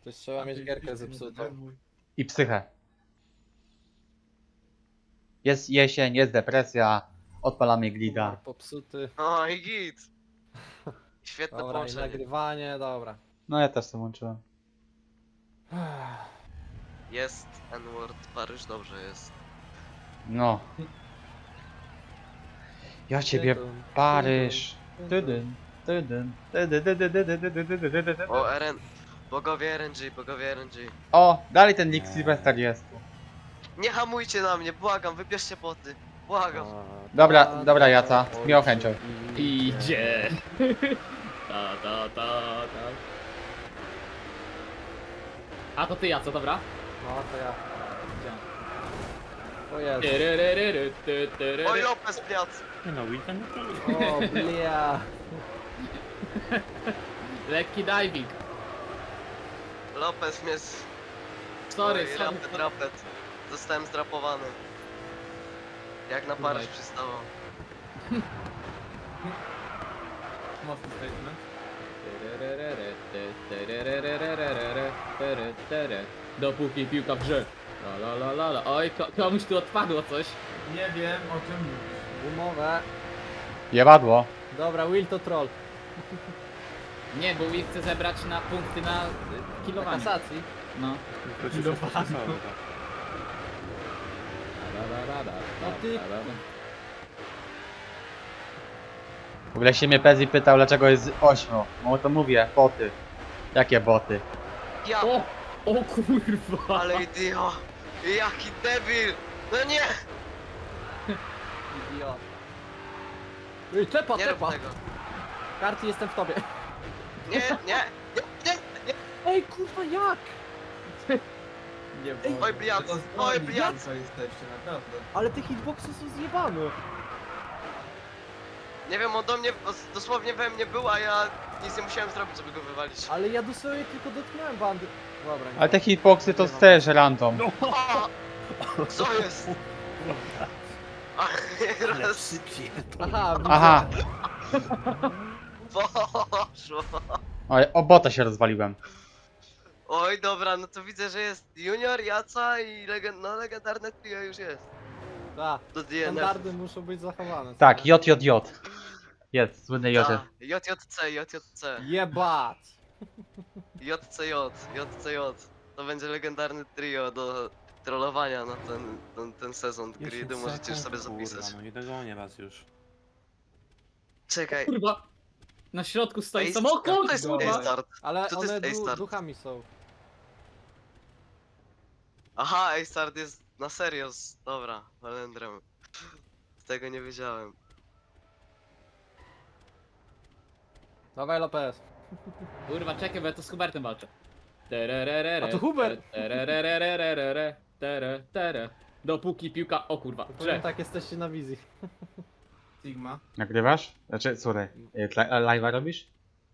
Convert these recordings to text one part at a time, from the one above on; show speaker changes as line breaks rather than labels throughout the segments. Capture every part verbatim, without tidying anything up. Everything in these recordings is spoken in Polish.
Też trzeba mieć gierkę zepsutą.
I psychę. Jest jesień, jest depresja, odpalamy glida.
Humor popsuty.
O i git. Świetne
Dobra, i
połączenie.
nagrywanie, dobra.
No ja też to łączyłem.
Jest N-word, Paryż dobrze jest.
No. Ja ciebie,
Tydum,
Paryż.
tydum,
Tydyn, tydyn, tydyn, tydyn, tydyn, tydyn, tydyn, tydyn.
O, R N... Bogowie R N G, bogowie R N G.
O, dalej ten Nick Sylvester jest.
Nie hamujcie na mnie, błagam, wybierzcie boty. Błagam.
Dobra, dobra Jaca, z miłą chęcią.
Idzie. Ta, ta, ta, ta. A to ty ja, co dobra?
No to ja. O Jezu.
Tyryryryry, ty, tyryry.
Oj, Lopez Piac.
No weekend
O blia.
Lekki diving.
Lopez mnie z...
Sorry,
Oj,
sorry.
rapet, rapet. Zostałem zdrapowany. Jak na Paryż
Dawaj.
przystało.
Mocny statement.
Tyryryryry, ty, tyryryryryryryry, tyry, tyry. Dopóki piłka w grze. La la la la la. Oj, ko komuś tu odpadło coś.
Nie wiem o czym mówisz.
Gumowe.
Jebadło.
Dobra, Will to troll.
Nie, bo Will chce zebrać na punkty na y,
Na
kilowanie.
kasacji.
No.
Kilowano.
No ty-
W ogóle się mnie Pezzi pytał, dlaczego jest ośmiu. No to mówię, boty. Jakie boty?
Ja,
O! O kurwa!
ale idio. Jaki debil. No nie.
Idiot. Ej, tepa,
Nie rób
tepa.
tego.
Karty, jestem w tobie.
Nie, nie, nie, nie.
Ej, kurwa, jak?
Nie
Ej,
Oj, bliac, oj, bliac.
jesteście, naprawdę.
Ale te hitboxy są zjebane.
Nie wiem, on do mnie, dosłownie we mnie był, a ja nic nie musiałem zrobić, żeby go wywalić.
Ale ja dosłownie tylko dotknąłem bandy. Dobra, nie.
Ale te hitboxy to też random.
O! Co jest? A, raz
Aha, widzę.
Aha.
poszło.
Oj, o bota się rozwaliłem.
Oj, dobra, no to widzę, że jest Junior, Jaca i legend, no, legendarne trio już jest.
Da,
Do D N F.
standardy muszą być zachowane. co
Tak,
nie?
J J J. Jest, słynny J.
Ta, J J C, J J C,
Jebat.
J C J, J C J. To będzie legendarny trio do trollowania na ten, ten, ten sezon gridu, możecie już sobie zapisać.
Kurwa, no nie dogonię was już.
Czekaj,
Kurwa! Na środku stoi
Ej,
samochód!
to jest
kurwa.
A-Start.
Ale
Co to
one
jest
du
A-Start?
duchami są.
Aha, A-Start jest na serio, z... dobra, Valendrem. Z tego nie wiedziałem.
Dawaj Lopez.
Kurwa, czekaj, bo ja to z Hubertem walczę. Terererere,
A to Hubert!
tererererere, tere, tere. Dopóki piłka... O kurwa,
Powiem
że.
tak, jesteście na wizji.
Sigma.
Nagrywasz? Znaczy, słuchaj, live'a robisz?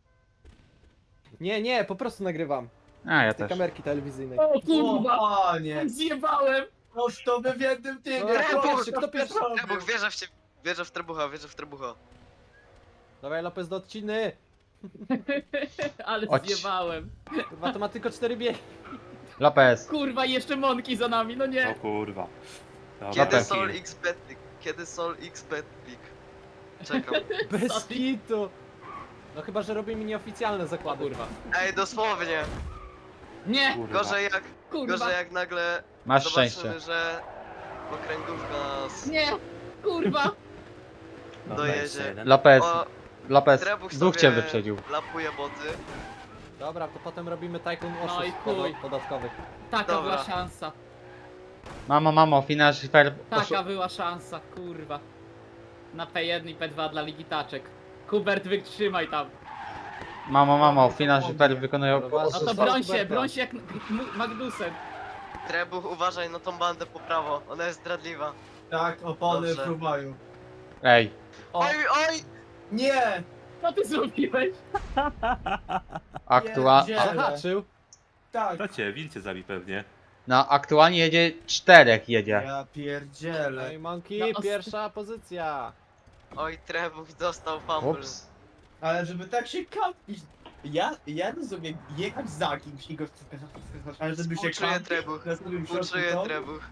Nie, nie, po prostu nagrywam.
A, ja
Tej
też.
kamerki telewizyjnej.
O kurwa!
O nie!
Zjebałem!
Noż to by w jednym tym.
Dobra, kto pierwszy, kto pierwszy?
Trebuch, wierzę w ciebie, wierzę w Trebucha, wierzę w Trebucha.
Dawaj Lopez do odciny.
Ale
Chodź.
zjebałem.
Kurwa, to ma tylko cztery biegi.
Lopez.
Kurwa, jeszcze Monki za nami, no
O
nie.
kurwa. Dobra,
Kiedy
Dobra.
Sol X Betpick? Kiedy Sol X Betpick? Czekam.
Bez kitu. No chyba, że robimy nieoficjalne
O
zakłady.
kurwa.
Ej, dosłownie.
Nie!
Kurwa.
Gorzej jak,
Kurwa!
gorzej jak nagle
Masz
zobaczymy,
szczęście.
że okręgówka nas
Nie! Kurwa!
Dobra,
dojedzie.
jeszcze jeden.
Lopez.
O,
Lopez.
Trebuch
Duch cię
sobie
wyprzedził.
lapuje boty.
Dobra, to potem robimy tajkun
No i
oszustw
chuj.
poda- podatkowych.
Taka
Dobra.
była szansa.
Mamo, mamo, finasz fair.
Taka była szansa, kurwa. Na P jeden i P dwa dla Ligi Taczek. Hubert, wytrzymaj tam.
Mamo, mamo, finasz fair wykonują.
Dobra,
No to
Zostaw
broń się,
Huberta.
broń się jak M- Magnusem.
Trebuch, uważaj na tą bandę po prawo, ona jest zdradliwa.
Tak, opony
Dobrze.
fruwają.
Ej,
O.
Oj, oj!
Nie!
Co ty zrobiłeś?
aktua...
Pierdzie-
Zahaczył.
Tak. To cię, wilcie zabi pewnie.
No, aktualnie jedzie czterech jedzie.
Ja
No
pierdzielę.
i Monkey,
No, os-
pierwsza pozycja.
Oj, Trebuch dostał fumble.
Ups.
Ale żeby tak się kapić. Ja, ja rozumiem jechać za kimś i go wskazać, ale żeby się
Współczuję
kampić
trebuch.
na samym środku
Uczuję
toru?
trebuch.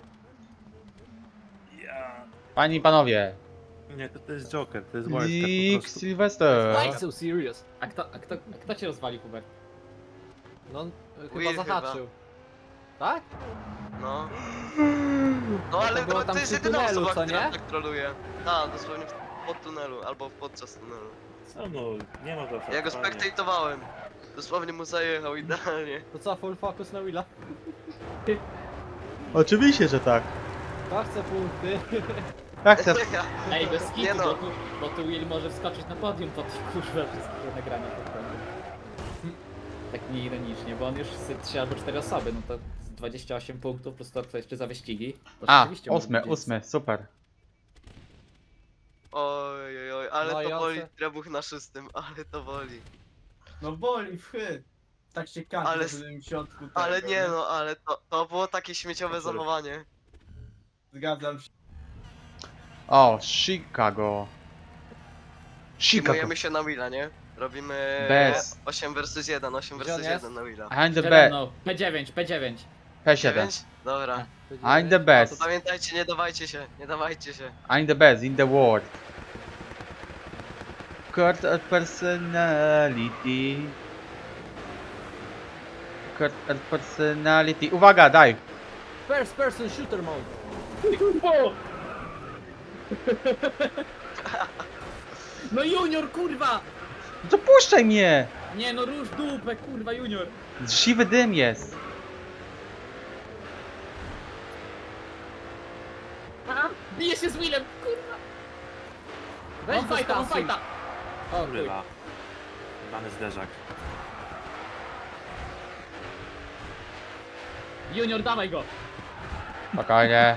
Ja...
Panie i panowie.
Nie, to, to jest Joker, to jest wildcard po
Nick
prostu.
Sylwester.
Why so serious?
A kto, a kto, a kto cię rozwalił, Hubert?
No, on chyba
Will
zahaczył. Tak?
No. No ale
to było
to,
tam
to jest
przy
jedyna
tunelu,
osoba,
co
która
nie?
tak troluje. Tak, dosłownie w- pod tunelu, albo podczas tunelu.
Co no, nie ma zasad.
Ja go
panie.
spektatowałem. Dosłownie mu zajechał idealnie.
To co, full focus na Willa?
Oczywiście, że tak.
To chcę punkty.
Ja chcę.
Ej, bez kitu,
Nie no.
bo, tu, bo tu Will może wskoczyć na podium po tych kurwa wszystkich nagrania pod kątem. Tak nieironicznie, bo on już z trzy albo cztery osoby, no to z dwadzieścia osiem punktów plus to co jeszcze za wyścigi. To
A,
rzeczywiście może
ósmy,
być-
ósmy, super.
Oj, oj, oj, ale
No i
to
o
boli
co?
trebuch na szóstym, ale to boli.
No boli, wchy. Tak się kampi
Ale
na
s-
samym środku tego,
Ale nie no, ale to, to było takie śmieciowe
Sorry.
zachowanie.
Zgadzam się.
O, Chicago. Chicago.
Przyjmujemy się na Willa, nie? Robimy
Bez.
osiem versus jeden, osiem
Gdzie
versus
on jest?
jeden na Willa.
I'm the
Przede
best.
mną. P dziewięć, P dziewięć.
P siedem.
dziewięć? Dobra.
I'm the best.
Pamiętajcie, nie dawajcie się, nie dawajcie się.
I'm the best in the world. Court of personality. Court of personality. Uwaga, daj.
First person shooter mode.
O! No junior, kurwa!
To puszczaj mnie.
Nie no, rusz dupę, kurwa, junior.
Siwy dym jest.
A, bije się z Willem, kurwa.
Weź
On
go
fajta, on
skasuj.
fajta. O chuj.
Kurwa. Dany zderzak.
Junior, dawaj go.
Spokojnie.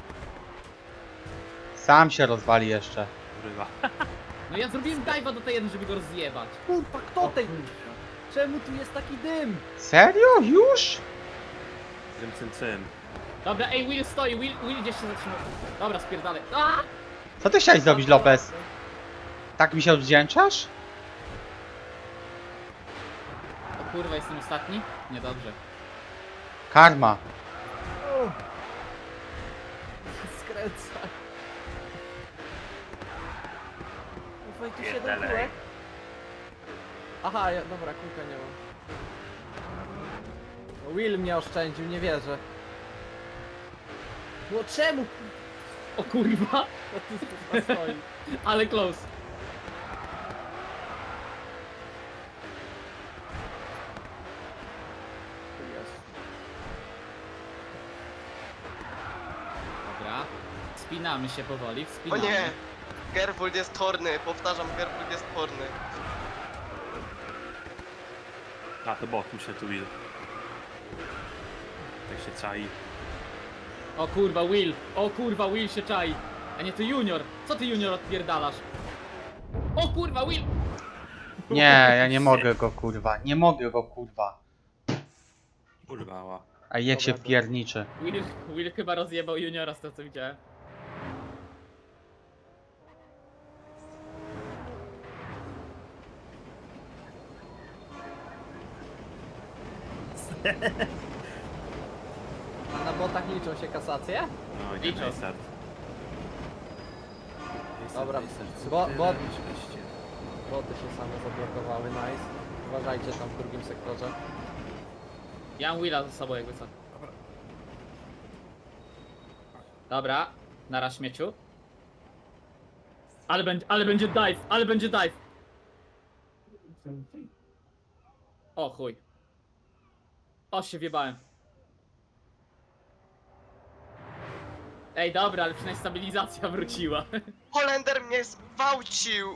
Sam się rozwali jeszcze.
Kurwa.
No ja zrobiłem dive'a do tej jednej, żeby go rozjebać.
Kurwa, kto ten? Czemu tu jest taki dym?
Serio? Już?
Cym, cym, cym.
Dobra, ej, Will stoi, Will, Will gdzieś się zatrzymał. Dobra, spierdalaj. A!
Co ty chciałeś zrobić, Lopez? Tak mi się odwdzięczasz?
O kurwa, jestem ostatni? Niedobrze.
Karma.
O. Skręca. Ufaj, tu siedem
Pierdalej.
kółek. Aha, ja, dobra, kółka nie mam. No, Will mnie oszczędził, nie wierzę. No czemu?
O kurwa,
No tu kurwa stoi.
ale close. Dobra. Wspinamy się powoli,
O
wspinamy.
nie! Careful jest horny, powtarzam, Careful jest horny.
A to bot, muszę tu Will. Tak się czai.
O kurwa, Will! O kurwa, Will się czai! A nie, to Junior! Co ty Junior odpierdalasz? O kurwa, Will!
Nie, ja nie mogę go kurwa. Nie mogę go kurwa.
Kurwa, ła.
A jak się
Dobra,
wpierniczy.
Will, Will chyba rozjebał Juniora z tego co widziałem.
A na botach liczą się kasacje?
No i
Liczą.
nie start.
Dobra, bo, bo, boty się same zablokowały, nice. Uważajcie tam w drugim sektorze.
Ja mam Willa ze sobą jakby co. Dobra, nara śmieciu. Ale będzie, ale będzie dive, ale będzie dive. O chuj. O się wjebałem. Ej dobra, ale przynajmniej stabilizacja wróciła.
Holender mnie zgwałcił!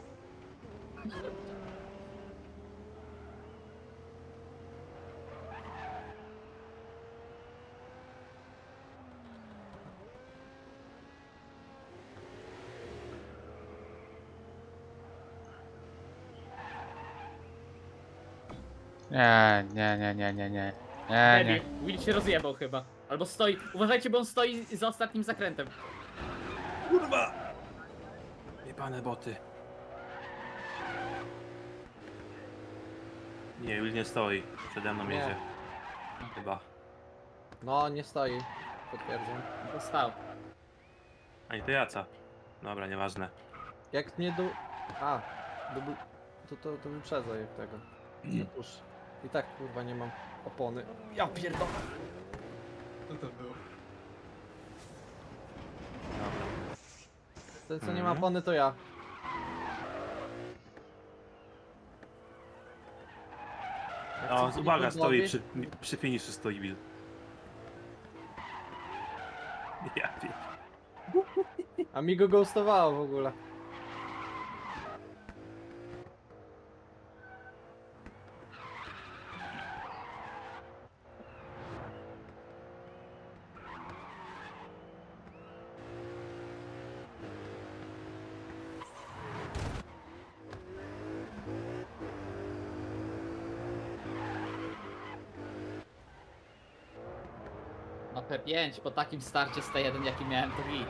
Nie, nie, nie, nie, nie, nie. Nie, nie.
Debil, Will się rozjebał chyba. Albo stoi, uważajcie, bo on stoi za ostatnim zakrętem.
Kurwa! Jebane boty.
Nie, Will nie stoi. Przede mną
Nie.
jedzie. Chyba.
No, nie stoi. Potwierdzam.
To stał.
A nie, to Jaca. Dobra, nieważne.
Jak nie do... A, dubl... to, to, to wyprzedzaj jak tego. Już. I tak kurwa nie mam opony. Ja pierdolę.
Co to było?
Ten co nie
Mhm.
ma opony to ja. Jak
O,
chcecie
uwaga,
Nikodmowi-
stoi przy, przy finiszu stoi Will. Ja wiem.
A mi go ghostowało w ogóle.
No P pięć, po takim starcie z T jeden jaki miałem to git.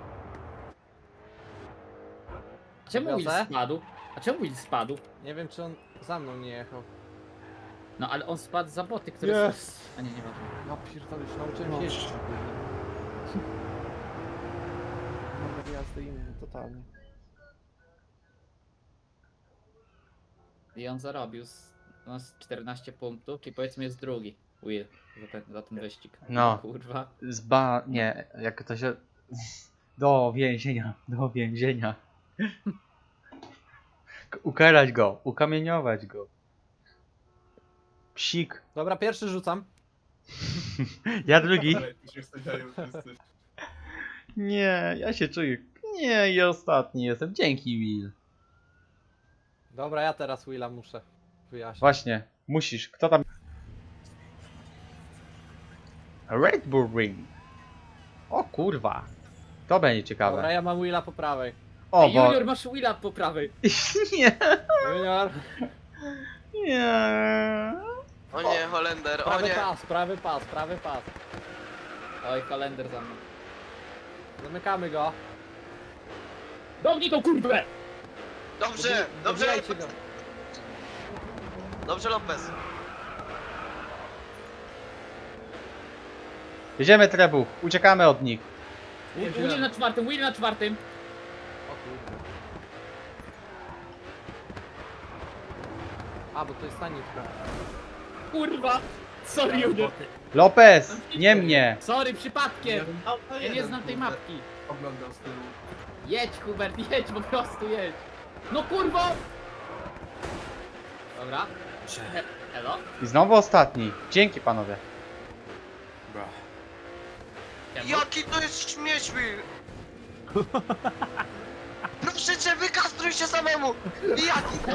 Czemu Will
Wiozę?
spadł? A czemu Will spadł?
Nie wiem czy on za mną nie jechał.
No ale on spadł za boty, które
Yes.
są... A nie, nieważne.
Ja pierdolę, już nauczyłem się jeździć. Mogę jazdy inny, totalnie.
I on zarobił z, no, z czternaście punktów, czyli powiedzmy jest drugi Will za ten, za ten wyścig.
No.
Kurwa.
Zba... nie, jak to się... Do więzienia, do więzienia. K- Ukarać go, ukamieniować go. Psik.
Dobra, pierwszy rzucam.
Ja drugi.
Ale tu się wstawiają wszyscy.
Nie, ja się czuję... Nie, i ostatni jestem. Dzięki, Will.
Dobra, ja teraz Willa muszę wyjaśnić.
Właśnie, musisz. Kto tam... Red Bull Ring. O kurwa. To będzie ciekawe.
Dobra, ja mam Willa po prawej.
O,
Ej,
bo...
Junior, masz Willa po prawej.
Nie.
Junior,
Nie.
O nie, Holender, o
prawy
nie.
pas, prawy pas, prawy pas.
Oj, kalender za mną.
Zamykamy go.
Dobnij tą kurwę!
Dobrze,
Dobi-
dobrze,
dobijajcie go.
dobrze Lopez.
Jedziemy trebuch, uciekamy od nich.
Will na czwartym, Will na czwartym.
O kurde. A, bo to jest tanitka.
Kurwa! Sorry, Junior.
Lopez, nie mnie.
Sorry, przypadkiem.
No, to
Ja nie
jeden,
znam tej
kurde,
mapki.
Oglądał z tyłu.
Jedź, Hubert, jedź, po prostu jedź. No kurwa! Dobra. He- Elo?
I znowu ostatni. Dzięki panowie.
Bra.
Czemu?
Jaki to jest śmieć, Will! Proszę cię, wykastruj się samemu! Jaki?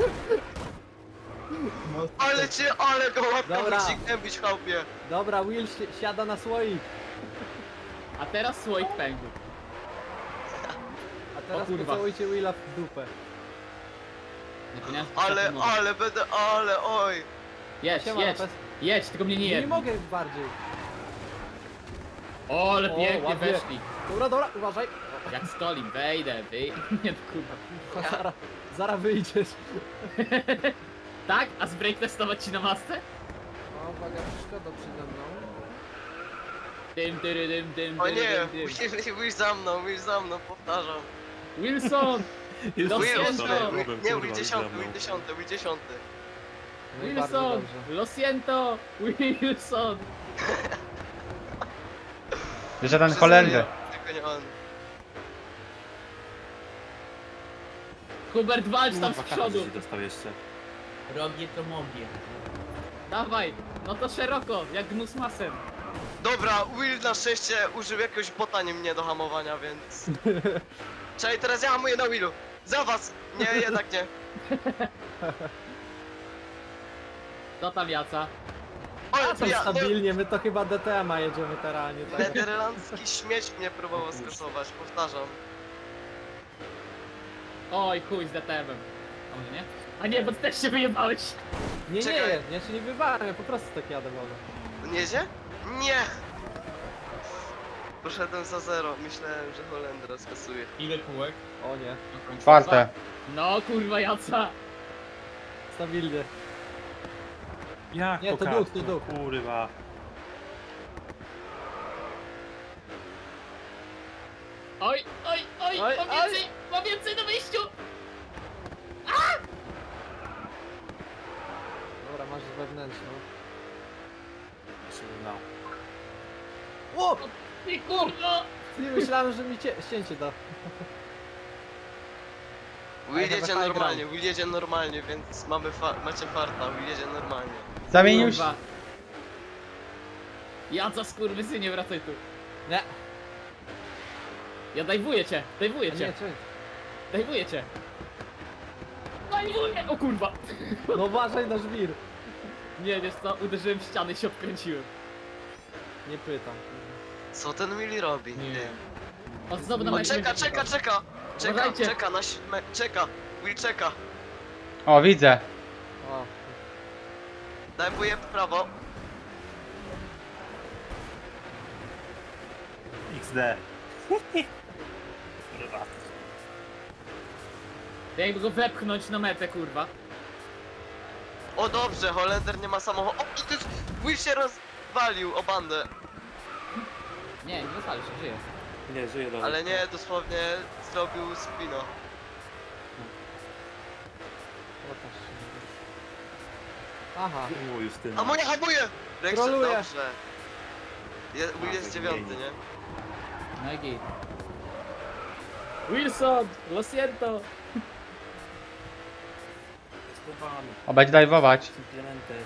No,
Ale cię, ale go łapkę
Dobra.
musi gębić, chałpie.
Dobra, Will si siada na słoik.
A teraz słoik pękł.
A teraz
kurwa.
pocałujcie Willa w dupę.
Nie powinienem
Ale,
spytać, no.
ale będę, ale, oj.
Jedź,
Siema,
jedź,
Lopez.
jedź, tylko mnie nie
Nie, nie
jedź.
mogę bardziej.
O, ale
O,
pięknie
ładnie.
weszli.
Dobra, dobra, uważaj.
Jak stolim, wejdę, wyj... Nie no kurwa.
Zara, zara wyjdziesz.
Tak? A z break testować ci na masce?
O, uwaga, przeszkoda przede mną.
Dym, dyry, dym, dym,
O
dyry,
nie,
dym, dym.
Will, Will za mną, Will za mną, powtarzam.
Wilson!
Jest
Lo
Will,
siento.
Will,
Problem,
nie,
kurwa,
Will
za
dziesiąty,
mną.
Will dziesiąty, Will dziesiąty.
No i bardzo
Wilson!
dobrze.
Lo siento! Wilson!
Jeszcze ten
Wszyscy
Holender.
nie, Tylko nie on.
Hubert, walcz tam z
Kurwa,
przodu!
każdy się dostał jeszcze.
robię to mogę.
Dawaj! No to szeroko, jak gnus masem.
Dobra, Will na szczęście użył jakiegoś bota nie mnie do hamowania, więc... Czekaj, teraz ja hamuję na Willu. Za was! Nie, jednak nie.
To tam Jaca.
Oj,
A to
ja, no,
stabilnie, my to chyba D T M-a jedziemy teraz, nie tak?
nederlandzki śmieć mnie próbował skasować, powtarzam.
Oj, chuj z D T M-em. A może nie? A nie, bo ty też się wyjebałeś.
Nie, nie,
Czekaj.
ja się nie wywałem, ja po prostu tak jadę może.
On jedzie? Nie! Poszedłem za zero, myślałem, że Holendra skasuje.
Ile kółek?
O nie,
Czwarte.
No kurwa Jaca.
stabilnie.
Jak
Nie, to
po
duch, to
kasku,
duch.
Kurwa.
Oj, oj, oj,
Oj,
mam
oj.
więcej, mam więcej na wyjściu!
Dobra, masz wewnętrzną.
No.
O!
Ty kurwa!
Nie myślałem, że mi cie... ścięcie da.
Will
I have a
jedzie
high
normalnie, Will jedzie normalnie, więc mamy fa macie farta, Will jedzie normalnie.
Zamienił się.
Kurwa. Ja co skurwysy, nie wracaj tu.
Nie.
Ja dajwuję cię,
A
dajwuję
nie,
cię,
czekaj.
dajwuję cię. Dajwuję! O kurwa!
No uważaj na żwir.
Nie, wiesz co, uderzyłem w ścianę i się obkręciłem.
Nie pytam.
Co ten Willy robi?
Nie.
Ty.
O, znowu na
O,
mecie
czeka,
będzie
czeka,
czekał.
czeka! Czeka,
Uważajcie.
czeka na siódme, czeka! Will czeka!
O, widzę.
O.
Dajwuję w prawo.
X D. Kurwa.
Jakby go wepchnąć na metę, kurwa.
O dobrze, Holender nie ma samochodu. O, to jest... Will się rozwalił o bandę.
Nie, nie rozwali się, żyje.
Nie, żyje dobrze.
Ale nie, dosłownie zrobił spino.
Pokaż się. Aha.
O, Justyna.
A moja hamuje! Rexer,
Troluje.
dobrze. Je, Will jest dziewiąty, nie?
No i git. Wilson! Lo siento!
Schowany.
O, będzie dajwować.
Implementy.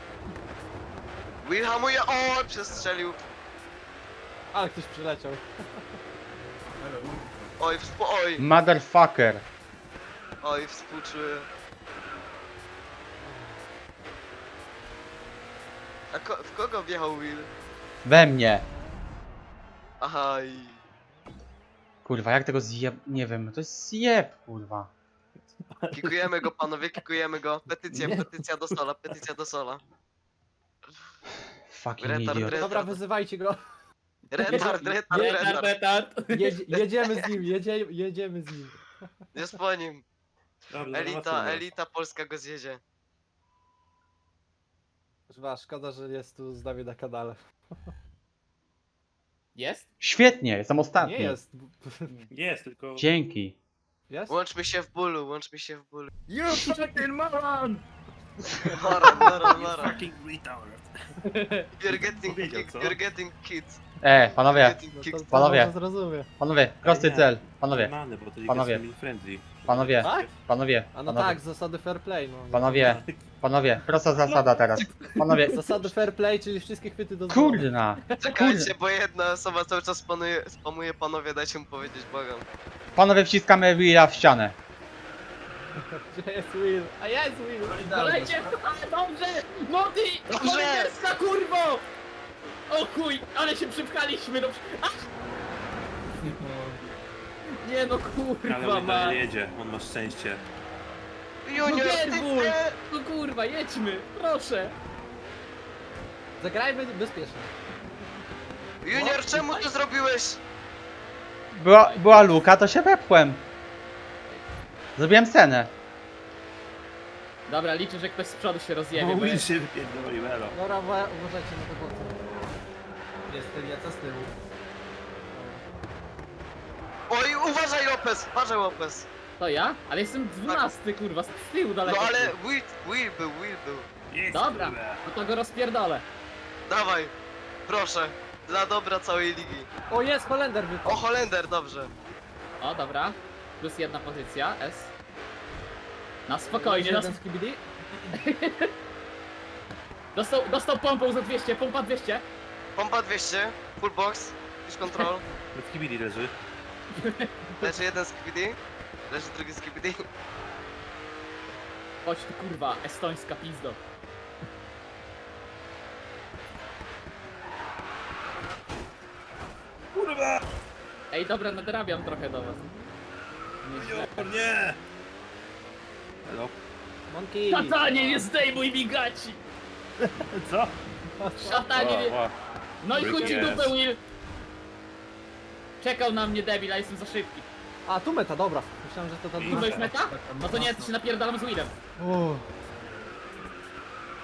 Will hamuje, o, przestrzelił.
Ale ktoś przyleciał.
Oj, współ... Oj,
Motherfucker.
oj, współczuję. A ko w kogo wjechał Will?
We mnie.
Aha, i...
Kurwa, jak tego zjeb... Nie wiem, to jest zjeb, kurwa.
Kikujemy go, panowie, kikujemy go. Petycja, petycja do sola, petycja do sola.
Fucking
Retard,
idiot.
retard.
Dobra, wyzywajcie go.
Retard, retard,
Retard,
retard.
retard!
Jedzie, jedziemy z nim, jedzie, jedziemy z nim.
Jest po nim.
Dobrze,
Elita,
zobaczymy.
elita polska go zjedzie.
Chyba szkoda, że jest tu z nami na kanale.
Jest?
Świetnie, jestem ostatni.
Nie jest.
Jest, tylko...
Dzięki.
Jest?
Łączmy się w bólu, łączmy się w bólu.
You fucking moron!
Maron, maron,
You
maron.
fucking retard.
You're getting
Powiedział,
kicked,
co?
you're getting kicked.
E, panowie,
You're getting
No to,
kicked.
to
Panowie.
może zrozumie.
panowie, prosty
Nie.
cel. Panowie,
Mamy, bo to jest
Panowie.
family friendly.
panowie,
Tak?
panowie,
A no
panowie,
tak, zasady fair play, no.
panowie, panowie, prosta zasada teraz. Panowie,
Zasady fair play, czyli wszystkie chwyty do
kurna,
Czekajcie, bo jedna osoba cały czas spanuje, spamuje, panowie, dajcie mu powiedzieć, błagam.
panowie wciskamy Willa w ścianę.
Gdzie jest Will? A jest Will!
Polecie! A, dobrze! Mody!
Dobrze!
Cholerska kurwo! O chuj, ale się przypchaliśmy do... A! Nie no
Ale
kurwa
on
ma.
dalej jedzie, on ma szczęście.
Junior, ty
Nerwuj!
nie!
No kurwa, jedźmy, proszę!
Zagrajmy bezpiecznie.
Junior, czemu to zrobiłeś?
Była, była luka, to się wepchłem. Zrobiłem scenę.
Dobra, liczę, że ktoś z przodu się
No
rozjebie, bo
Will
ja...
się wypierdolił, elo.
Dobra, uwa- uważajcie na te boty. Jest Eliaca z tyłu.
Oj, uważaj Lopez, uważaj Lopez.
To ja? Ale jestem dwunasty kurwa, z tyłu daleko.
No ale Will, Will był, Will był.
Jest,
Dobra,
kurwa.
no to go rozpierdolę.
Dawaj, proszę, dla dobra całej ligi.
O, jest Holender
O,
wypadł.
Holender, dobrze.
O, dobra. Plus jedna pozycja, S. Na spokojnie, na...
Jeden z K B D?
dostał, dostał pompą za dwieście, pompa dwieście.
Pompa dwieście, full box, push control.
W kibili leży.
Leży jeden z K B D, leży drugi z K B D.
Chodź tu kurwa, estońska pizdo.
Kurwa!
Ej, dobra, nadrabiam trochę do was. Nieźle.
O nie! Elo?
Monkey!
Szatanie, nie zdejmuj mi gaci!
Co?
Szatanie, nie...
o.
No i chuj ci
Yes.
dupę, Will! Czekał na mnie debil, a jestem za szybki.
A, tu meta, dobra. Myślałem, że to ta
Tu to jest meta? No to nie, to się napierdalam z Willem.
Uff.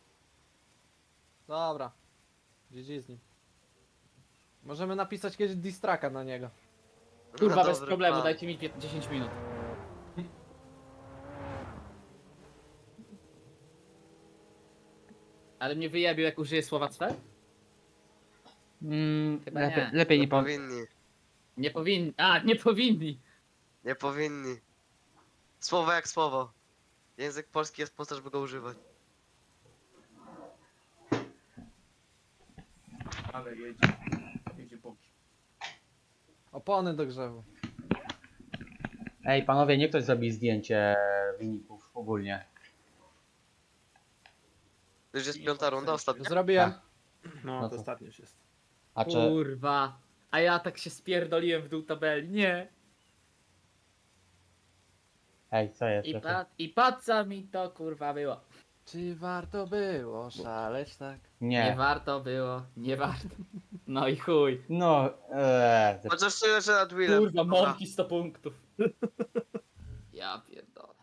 Dobra. G G z nim. Możemy napisać kiedyś distraka na niego.
Kurwa,
No,
bez
dobry
problemu,
plan.
dajcie mi pię- dziesięć minut. Ale mnie wyjabił, jak użyję słowa cwe?
Mm,
Chyba
lepiej,
nie.
lepiej nie
Nie
powiem.
powinni.
Nie powinni. A, nie powinni!
Nie powinni. Słowo jak słowo. Język polski jest po to, żeby go używać.
Ale jedzie. Jedzie boki.
Opony do grzewu.
Ej, panowie, niech ktoś zrobi zdjęcie wyników ogólnie.
To już jest piąta runda, ostatnia.
Zrobiłem.
No,
No
to
to-
ostatni już jest.
A czy...
Kurwa. A ja tak się spierdoliłem w dół tabeli. Nie.
Ej, co jest?
I,
Lepiej?
pa I po co mi to kurwa było?
Czy warto było szaleć tak?
Nie
Nie.
warto było, nie warto. No i chuj.
No, eee,
Chociaż czuję, że nad Willem.
Kurwa,
Dobra.
mąki sto punktów. Ja pierdolę.